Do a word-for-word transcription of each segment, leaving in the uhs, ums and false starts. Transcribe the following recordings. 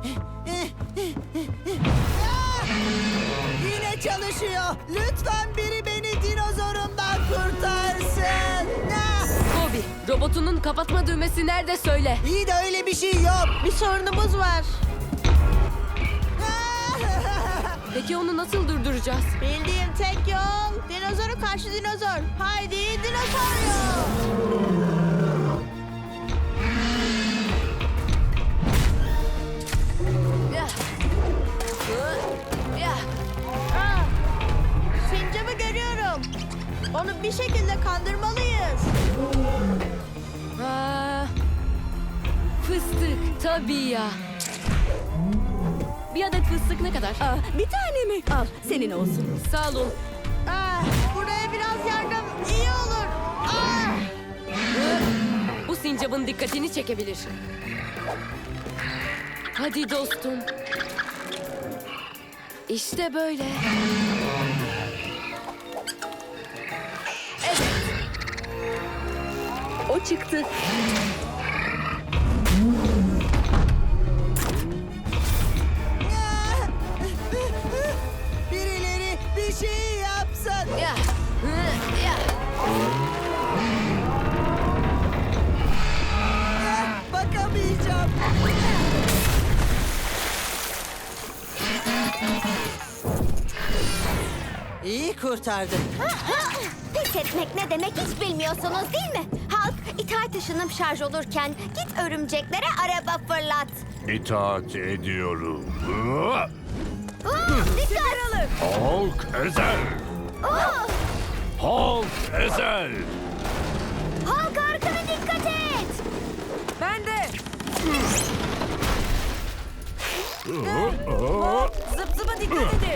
Yine çalışıyor. Lütfen biri beni dinozorumdan kurtarsın. Ah! Bobby, robotunun kapatma düğmesi nerede söyle. İyi de öyle bir şey yok. Bir sorunumuz var. Peki onu nasıl durduracağız? Bildiğim tek yol dinozoru karşı dinozor. Haydi dinozor yol. Yah. Hı, yah. Ah, sincapı görüyorum. Onu bir şekilde kandırmalıyız. Aa, fıstık tabii ya. Bir adet fıstık ne kadar? Aa, bir tane mi? Al, senin olsun. Sağ olun. Ah, buraya biraz yardım iyi olur. Ah, Hı, bu sincapın dikkatini çekebilir. Hadi dostum. İşte böyle. Evet. O çıktı. Birileri bir şey yapsın. Ya. Hı, ya. Ah, bakamayacağım. İyi kurtardın. Pes etmek ne demek hiç bilmiyorsunuz değil mi? Halk itaat ışınım şarj olurken git örümceklere araba fırlat. İtaat ediyorum. Aa, dikkat! Hulk ezel. Aa, Hulk ezel. Halk arkana dikkat et! ben de. Zıp zıpa dikkat edin.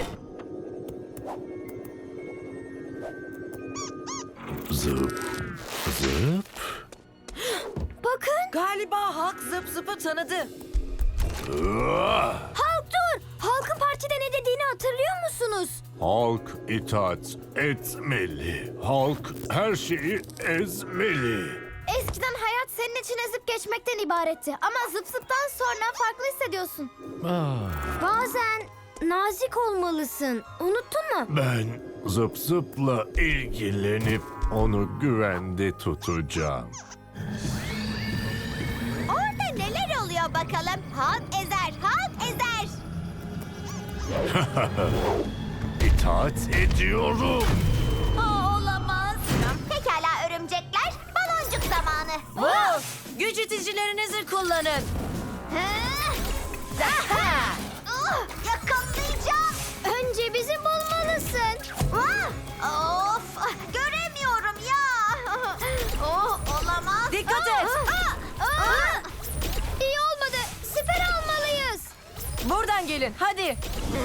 Zıp. Zıp. Bakın, Galiba Hulk zıp zıpı tanıdı. Ah! Halk dur! Halkın partide ne dediğini hatırlıyor musunuz? Hulk itaat etmeli. Hulk her şeyi ezmeli. Eskiden hayat senin için ezip geçmekten ibaretti. Ama zıp zıptan sonra farklı hissediyorsun. Bazen nazik olmalısın. Unuttun mu? Ben zıp zıpla ilgilenip onu güvende tutacağım. Orada neler oluyor bakalım? Halk ezer, halk ezer. İtaat ediyorum. Aa, olamaz. Pekala örümcekler, baloncuk zamanı. Wow, güç iticilerinizi kullanın. Aha! Ah, yakalayacağım. Önce bizi bulmalısın. Ah, of, göremiyorum ya. Oh, olamaz. Dikkat et. Ah, ah. İyi olmadı. Siper almalıyız. Buradan gelin hadi.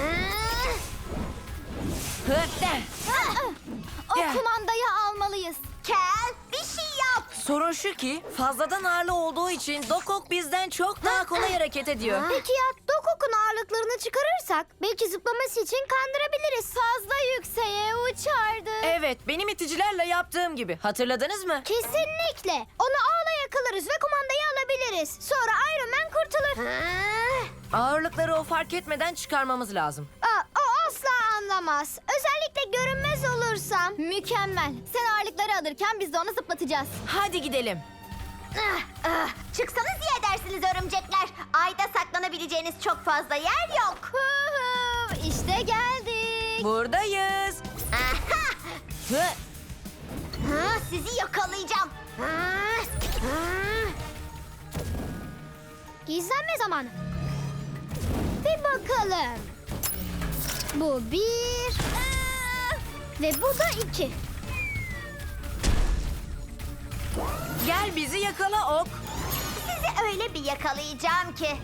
O Gel. kumandayı almalıyız. Kel, bir şey yap. Sorun şu ki fazladan ağırlı olduğu için Dokok bizden çok daha kolay hareket ediyor. Peki ya Dokok'un ağırlıklarını çıkarırsak belki zıplaması için kandırabiliriz. Fazla yükseğe uçardı. Evet, benim iticilerle yaptığım gibi. Hatırladınız mı? Kesinlikle. Onu ağla yakalarız ve kumandayı alabiliriz. Sonra Iron Man kurtulur. Ağırlıkları o fark etmeden çıkarmamız lazım. Aa, o asla anlamaz. Özellikle görünmez olursam. Mükemmel. Sen ağırlıkları alırken biz de onu zıplatacağız. Hadi gidelim. Ah, ah. Çıksanız iyi edersiniz örümcekler. Ayda saklanabileceğiniz çok fazla yer yok. İşte geldik. Buradayız. Aha! Hı. Ha, sizi yakalayacağım. Ha, ha. Gizlenme zamanı. Bir bakalım. Bu bir. Aa, ve bu da iki. Gel bizi yakala Ok. Sizi öyle bir yakalayacağım ki.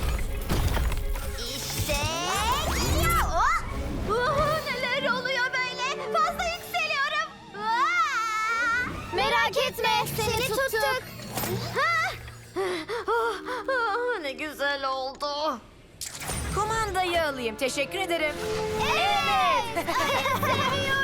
İşte. Ya, o. Uhu, neler oluyor böyle? Fazla yükseliyorum. Aa! Merak etme, seni, tuttuk. Ha? Oh, oh, ne güzel oldu. Kumandayı alayım. Teşekkür ederim. Evet. Seviyorum.